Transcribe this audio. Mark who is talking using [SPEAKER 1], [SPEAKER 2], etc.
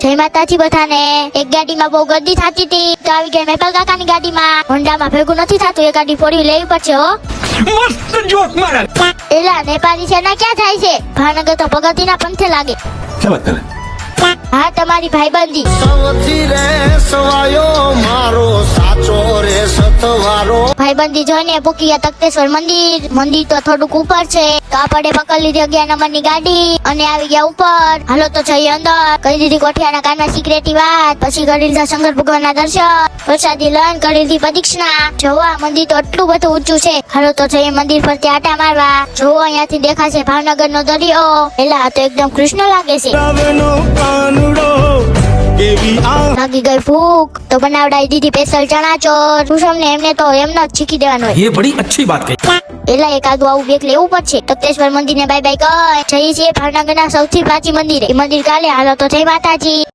[SPEAKER 1] જય માતાજી બધાને। એક ગાડીમાં બહુ ગર્દી થતી હતી તો આવી ગઈ મેપલ કાકાની ગાડીમાં। હોન્ડામાં ભેગું નથી થતું, એ ગાડી ફોડી લેવી પડશે હો।
[SPEAKER 2] મસ્ત જોક મારા।
[SPEAKER 1] એલા નેપાળી છે ના ક્યાં થાય છે? ભાવનગર તો ભગવતીના પંથે લાગે।
[SPEAKER 2] શું વાત કરે?
[SPEAKER 1] હા તમારી ભાઈબંધી।
[SPEAKER 3] સૌથી રે સવાયો મારો સાચો રે સતવારો।
[SPEAKER 1] ભાઈબંધી જોઈને પૂકી ગયા તખતેશ્વર મંદિર। મંદિર તો થોડુંક ઉપર છે તો આપણે પકડી લીધી 11 નંબરની ગાડી અને આવી ગયા ઉપર। હાલો તો જઈએ અંદર। કરી દીધી કોઠિયાના કાનમાં સિક્રેટી વાત, પછી કરી લીધા શંકર ભગવાનના દર્શન, પ્રસાદી લઈને કરી લીધી પ્રદક્ષિણા। જોવા મંદિર તો એટલું બધું ઊંચું છે। હાલો તો જઈએ મંદિર પરથી આટા મારવા। જોવો અહીંયાથી દેખાશે ભાવનગરનો દરિયો। એલા આ તો એકદમ કૃષ્ણ લાગે છે। લાગી ગઈ ભૂખ તો બનાવડાવી દીધી સ્પેશિયલ ચણા ચોર। કુસુમને એમને તો એમને જ શીખી દેવાનું હોય।
[SPEAKER 2] ये बड़ी अच्छी बात कही।
[SPEAKER 1] એલા એકાદું આવું બેગ લેવું પડશે। તખતેશ્વર મંદિર ને બાય બાય કર। જઈએ છીએ ભાવનગરના સૌથી પ્રાચીન મંદિરે। એ મંદિર કાલે। હાલો તો જય માતાજી।